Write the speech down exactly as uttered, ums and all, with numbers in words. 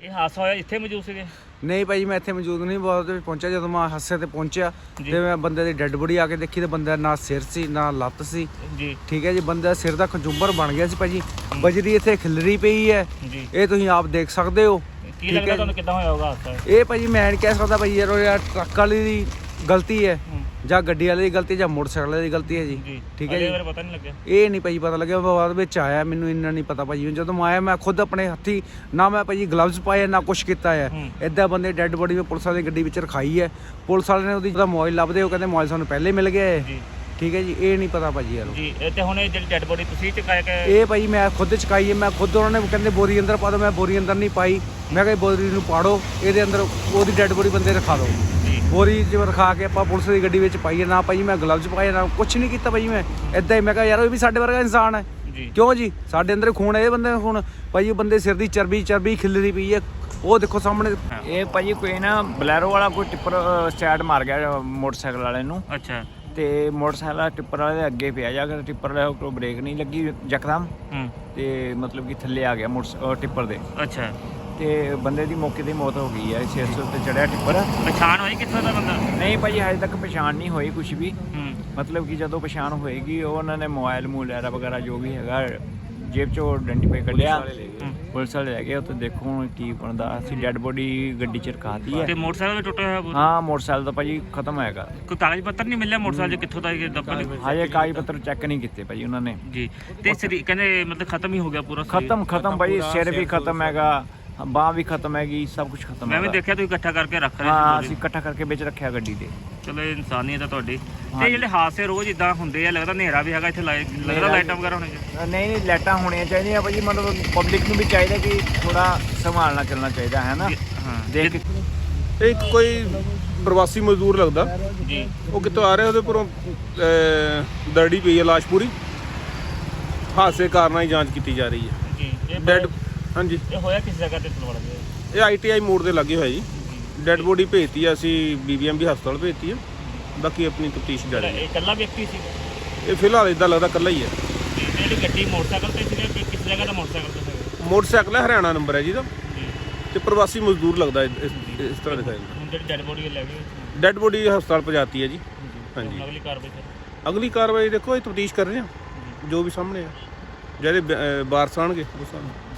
ਇਹ ਹਾਦਸਾ ਹੋਇਆ ਇੱਥੇ ਮੌਜੂਦ ਸੀਗੇ? ਨਹੀਂ ਭਾਈ ਮੈਂ ਇੱਥੇ ਮੌਜੂਦ ਨਹੀਂ, ਬਹੁਤ ਪਹੁੰਚਿਆ। ਜਦੋਂ ਮੈਂ ਹਾਦਸੇ ਤੇ ਪਹੁੰਚਿਆ ਤੇ ਮੈਂ ਬੰਦੇ ਦੀ ਡੈੱਡ ਬੋਡੀ ਆ ਕੇ ਦੇਖੀ ਤੇ ਬੰਦਾ ਨਾ ਸਿਰ ਸੀ ਨਾ ਲੱਤ ਸੀ ਜੀ। ਠੀਕ ਹੈ ਜੀ, ਬੰਦਾ ਸਿਰ ਦਾ ਖੰਜੂੰਬਰ ਬਣ ਗਿਆ ਸੀ ਭਾਜੀ। ਬਜਰੀ ਇੱਥੇ ਖਿਲਰੀ ਪਈ ਹੈ ਜੀ, ਇਹ ਤੁਸੀਂ ਆਪ ਦੇਖ ਸਕਦੇ ਹੋ। ਕੀ ਲੱਗਦਾ ਤੁਹਾਨੂੰ ਕਿੱਦਾਂ ਹੋਇਆ ਹੋਗਾ ਹਾਦਸਾ? ਇਹ ਭਾਜੀ ਮੈਂ ਨਹੀਂ ਕਹਿ ਸਕਦਾ ਭਾਈ, ਯਾਰ ਯਾਰ ਟਰੱਕ ਵਾਲੀ ਦੀ ਗਲਤੀ ਹੈ ਜਾਂ ਗੱਡੀ ਵਾਲੇ ਦੀ ਗਲਤੀ ਜਾਂ ਮੋਟਰਸਾਈਕਲ ਵਾਲੇ ਦੀ ਗਲਤੀ ਹੈ ਜੀ। ਠੀਕ ਹੈ ਜੀ, ਪਤਾ ਨਹੀਂ ਲੱਗਿਆ, ਇਹ ਨਹੀਂ ਭਾਜੀ ਪਤਾ ਲੱਗਿਆ, ਬਾਅਦ ਵਿੱਚ ਆਇਆ, ਮੈਨੂੰ ਇੰਨਾ ਨਹੀਂ ਪਤਾ ਭਾਜੀ। ਜਦੋਂ ਮੈਂ ਆਇਆ ਮੈਂ ਖੁਦ ਆਪਣੇ ਹੱਥੀ ਨਾ ਮੈਂ ਭਾਜੀ ਗਲਵਜ਼ ਪਾਏ ਨਾ ਕੁਛ ਕੀਤਾ ਹੈ। ਇੱਦਾਂ ਬੰਦੇ ਡੈੱਡ ਬੋਡੀ ਮੈਂ ਪੁਲਿਸ ਵਾਲੀ ਗੱਡੀ ਵਿੱਚ ਰਖਾਈ ਹੈ। ਪੁਲਿਸ ਵਾਲੇ ਨੇ ਉਹਦੀ ਜਿਹਦਾ ਮੋਬਾਈਲ ਲੱਭਦੇ, ਉਹ ਕਹਿੰਦੇ ਮੋਬਾਈਲ ਸਾਨੂੰ ਪਹਿਲੇ ਮਿਲ ਗਿਆ ਹੈ। ਠੀਕ ਹੈ ਜੀ, ਇਹ ਨਹੀਂ ਪਤਾ ਭਾਜੀ ਯਾਰ ਜੀ। ਤੇ ਹੁਣ ਇਹ ਜਿਹੜੀ ਡੈੱਡ ਬੋਡੀ ਤੁਸੀਂ ਚੁਕਾਇਆ ਕਿ? ਇਹ ਭਾਜੀ ਮੈਂ ਖੁਦ ਚੁਕਾਈ ਹੈ, ਮੈਂ ਖੁਦ, ਉਹਨਾਂ ਨੇ ਕਹਿੰਦੇ ਬੋਰੀ ਅੰਦਰ ਪਾ ਦਿਓ, ਮੈਂ ਬੋਰੀ ਅੰਦਰ ਨਹੀਂ ਪਾਈ। ਮੈਂ ਕਿਹਾ ਬੋਰੀ ਨੂੰ ਪਾੜੋ, ਇਹਦੇ ਅੰਦਰ ਉਹਦੀ ਡੈੱਡ ਬੋਡੀ ਬੰਦੇ ਰਖਾ ਦਿਓ। ਬੋਰੀ 'ਚ ਰਖਾ ਕੇ ਆਪਾਂ ਪੁਲਿਸ ਦੀ ਗੱਡੀ ਵਿੱਚ ਪਾਈਏ। ਨਾ ਭਾਜੀ ਮੈਂ ਗਲਵਜ਼ ਪਾਏ ਨਾ ਕੁਛ ਨਹੀਂ ਕੀਤਾ ਭਾਜੀ ਮੈਂ, ਇੱਦਾਂ ਹੀ। ਮੈਂ ਕਿਹਾ ਯਾਰ ਉਹ ਵੀ ਸਾਡੇ ਵਰਗਾ ਇਨਸਾਨ ਹੈ, ਕਿਉਂ ਜੀ? ਸਾਡੇ ਅੰਦਰ ਖੂਨ ਹੈ, ਇਹ ਬੰਦੇ ਦਾ ਖੂਨ ਭਾਜੀ। ਬੰਦੇ ਸਿਰ ਦੀ ਚਰਬੀ ਚਰਬੀ ਖਿਲਰੀ ਪਈ ਹੈ, ਉਹ ਦੇਖੋ ਸਾਹਮਣੇ। ਇਹ ਭਾਜੀ ਕੋਈ ਨਾ ਬਲੈਰੋ ਵਾਲਾ ਕੋਈ ਟਿੱਪਰ ਸਟੈਂਡ ਮਾਰ ਗਿਆ ਮੋਟਰਸਾਈਕਲ ਵਾਲੇ ਨੂੰ। ਅੱਛਾ। ਤੇ ਮੋਟਰਸਾਈਕਲ ਵਾਲਾ ਟਿੱਪਰ ਵਾਲੇ ਦੇ ਅੱਗੇ ਪਿਆ ਜਾ ਕੇ, ਟਿੱਪਰ ਵਾਲੇ ਕੋਲ ਬ੍ਰੇਕ ਨਹੀਂ ਲੱਗੀ ਯਕਦਮ, ਤੇ ਮਤਲਬ ਕਿ ਥੱਲੇ ਆ ਗਿਆ ਮੋਟਰ ਟਿੱਪਰ ਦੇ। ਅੱਛਾ। ਤੇ ਬੰਦੇ ਦੀ ਮੌਕੇ ਤੇ ਮੌਤ ਹੋ ਗਈ ਹੈ। ਛੇ ਸੌ ਤੇ ਚੜਿਆ ਟਿੱਪਰ। ਪਛਾਣ ਹੋਈ ਕਿੱਥੋਂ ਦਾ ਬੰਦਾ? ਨਹੀਂ ਭਾਜੀ ਹਜੇ ਤੱਕ ਪਛਾਣ ਨਹੀਂ ਹੋਈ ਕੁਛ ਵੀ। ਮਤਲਬ ਕਿ ਜਦੋਂ ਪਛਾਣ ਹੋਏਗੀ ਉਹ ਉਹਨਾਂ ਨੇ ਮੋਬਾਈਲ ਮੂਲੈਰਾ ਵਗੈਰਾ ਜੋ ਵੀ ਹੈਗਾ ਜੇਬ ਚੋਂ ਆਇਡੈਂਟੀਫਾਈ ਕਰ ਲਿਆ, ਪੁਲਿਸ ਵਾਲੇ ਲੈ ਗਏ ਉੱਥੇ। ਦੇਖੋ ਹੁਣ ਕੀ ਬਣਦਾ। ਅਸੀਂ ਡੈੱਡ ਬੋਡੀ ਗੱਡੀ 'ਚ ਰਖਾਤੀ ਹੈ। ਤੇ ਮੋਟਰਸਾਈਕਲ ਵੀ ਟੁੱਟਿਆ ਹੋਇਆ? ਹਾਂ ਮੋਟਰਸਾਈਕਲ ਤਾਂ ਭਾਜੀ ਖਤਮ ਹੈਗਾ। ਕੋਈ ਕਾਗਜ਼ ਪੱਤਰ ਨਹੀਂ ਮਿਲਿਆ ਮੋਟਰਸਾਈਕਲ 'ਚ ਕਿੱਥੋਂ ਦਾ? ਹਜੇ ਕਾਗਜ਼ ਪੱਤਰ ਚੈੱਕ ਨਹੀਂ ਕੀਤੇ ਭਾਜੀ ਉਹਨਾਂ ਨੇ ਜੀ। ਤੇ ਸਰੀ ਕਹਿੰਦੇ ਮਤਲਬ ਖਤਮ ਹੀ ਹੋ ਗਿਆ ਪੂਰਾ? ਖਤਮ ਖਤਮ ਭਾਜੀ, ਸਿਰ ਵੀ ਖਤਮ ਹੈਗਾ, ਬਾਂਹ ਵੀ ਖਤਮ ਹੈਗੀ, ਸਭ ਕੁਝ ਖਤਮ ਹੈ। ਮੈਂ ਵੀ ਦੇਖਿਆ ਤੁਸੀਂ ਇਕੱਠਾ ਕਰਕੇ ਰੱਖ ਰਹੇ ਸੀ। ਹਾਂ ਅਸੀਂ ਇਕੱਠਾ ਕਰਕੇ ਵਿੱਚ ਰੱਖਿਆ ਗੱਡੀ ਦੇ। ਚਲੋ ਇਹ ਇਨਸਾਨੀਅਤ ਹੈ ਤੁਹਾਡੀ। ਤੇ ਜਿਹੜੇ ਹਾਦਸੇ ਰੋਜ਼ ਇਦਾਂ ਹੁੰਦੇ ਆ, ਲੱਗਦਾ ਹਨੇਰਾ ਵੀ ਹੈਗਾ ਇੱਥੇ, ਲੱਗਦਾ ਲਾਈਟਾਂ ਵਗੈਰਾ ਹੋਣੀਆਂ ਚਾਹੀਦੀਆਂ? ਨਹੀਂ ਨਹੀਂ ਲਾਈਟਾਂ ਹੋਣੀਆਂ ਚਾਹੀਦੀਆਂ ਭਾਜੀ। ਮਤਲਬ ਪਬਲਿਕ ਨੂੰ ਵੀ ਚਾਹੀਦਾ ਕਿ ਥੋੜਾ ਸੰਭਾਲ ਨਾਲ ਚੱਲਣਾ ਚਾਹੀਦਾ ਹੈ ਨਾ। ਹਾਂ ਦੇਖ ਇਹ ਕੋਈ ਪ੍ਰਵਾਸੀ ਮਜ਼ਦੂਰ ਲੱਗਦਾ ਜੀ, ਉਹ ਕਿੱਥੋਂ ਆ ਰਿਹਾ, ਉਹਦੇ ਉੱਪਰੋਂ ਦਰੜੀ ਪਈ ਹੈ ਲਾਸ਼ ਪੂਰੀ। ਹਾਦਸੇ ਕਾਰਨਾਂ ਦੀ ਜਾਂਚ ਕੀਤੀ ਜਾ ਰਹੀ ਹੈ ਜੀ। ਇਹ ਡੈਡ ਹਾਂਜੀ ਇਹ ਹੋਇਆ ਕਿਸ ਜਗ੍ਹਾ ਤੇ ਤਲਵਾੜਾ ਦੇ? ਇਹ ਆਈ ਟੀ ਆਈ ਮੋੜ ਦੇ ਲੱਗੇ ਹੋਇਆ ਜੀ। ਡੈਡ ਬੋਡੀ ਭੇਜਤੀ ਹੈ ਅਸੀਂ ਬੀ ਬੀ ਐਮ ਬੀ ਹਸਪਤਾਲ ਭੇਜਤੀ ਹੈ, ਬਾਕੀ ਆਪਣੀ ਤਫਤੀਸ਼ ਜਾਰੀ ਹੈ। ਇਹ ਇਕੱਲਾ ਵਿਅਕਤੀ ਸੀ? ਇਹ ਫਿਲਹਾਲ ਇਦਾਂ ਲੱਗਦਾ ਇਕੱਲਾ ਹੀ ਹੈ। ਜਿਹੜੀ ਗੱਡੀ ਮੋਟਰਸਾਈਕਲ ਤੇ ਸੀਗਾ ਕਿ ਕਿਸ ਜਗ੍ਹਾ ਦਾ ਮੋਟਰਸਾਈਕਲ ਤੇ ਸੀਗਾ? ਮੋਟਰਸਾਈਕਲ ਹੈ, ਹਰਿਆਣਾ ਨੰਬਰ ਹੈ ਜੀ ਦਾ, ਜੀ। ਤੇ ਪ੍ਰਵਾਸੀ ਮਜ਼ਦੂਰ ਲੱਗਦਾ ਇਸ ਇਸ ਤਰ੍ਹਾਂ ਦਿਖਾਈ ਦਿੰਦਾ। ਹੁਣ ਜਿਹੜੀ ਡੈਡ ਬੋਡੀ ਲੈ ਗਏ? ਡੈਡ ਬੋਡੀ ਹਸਪਤਾਲ ਪਹੁੰਚਾਤੀ ਹੈ ਜੀ। ਹਾਂਜੀ, ਅਗਲੀ ਕਾਰਵਾਈ ਸਰ? ਅਗਲੀ ਕਾਰਵਾਈ ਦੇਖੋ ਇਹ ਤਫਤੀਸ਼ ਕਰ ਰਹੇ ਹਾਂ, ਜੋ ਵੀ ਸਾਹਮਣੇ ਆ, ਜਿਹੜੇ ਵਾਰਸ ਆਉਣਗੇ ਉਸ ਹਿਸਾਬ ਨਾਲ।